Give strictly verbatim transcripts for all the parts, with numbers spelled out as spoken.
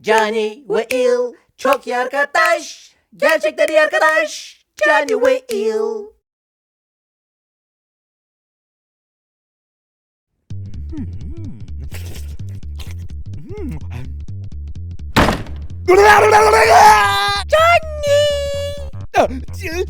Johnny ve Il çok iyi arkadaş. Gerçekten iyi arkadaş. Johnny ve Il. Johnny! Johnny,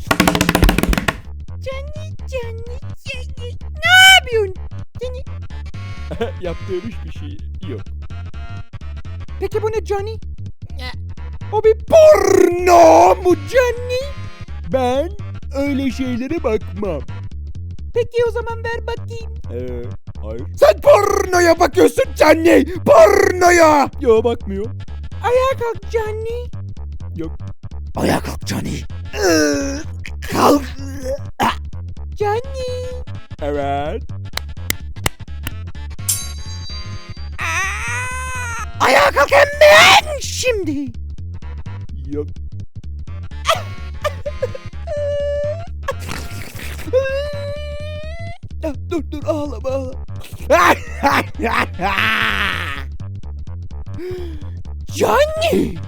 Johnny, Johnny. Ne yapıyorsun? Johnny. Yaptığım hiçbir şey yok. Peki bu ne Johnny? O bir porno mu Johnny? Ben öyle şeylere bakmam. Peki o zaman ver bakayım. Ee, hayır. Sen pornoya bakıyorsun Johnny. Pornoya. Yo, bakmıyor. Ayağa kalk Johnny. Yok. Ayağa kalk Johnny. Kalk. Johnny. Evet. Ayağa kalk hemen şimdi. Yok. Ya, dur dur ağlama ağlama. Johnny.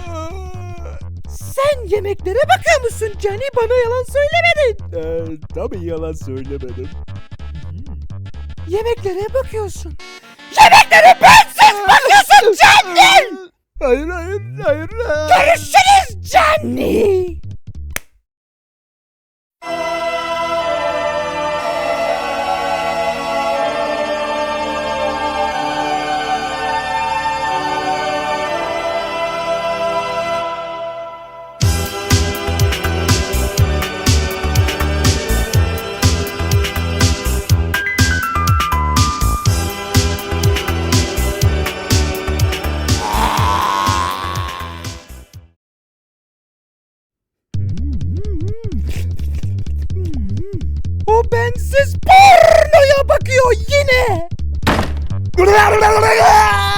Sen yemeklere bakıyor musun Johnny? Bana yalan söylemedin. Ee, tabii yalan söylemedim. Yemeklere bakıyorsun. Yemeklere bensiz bakıyorsun Johnny. Hayır hayır hayır. hayır. Görüşürüz Johnny. O bensiz pornoya bakıyor yine.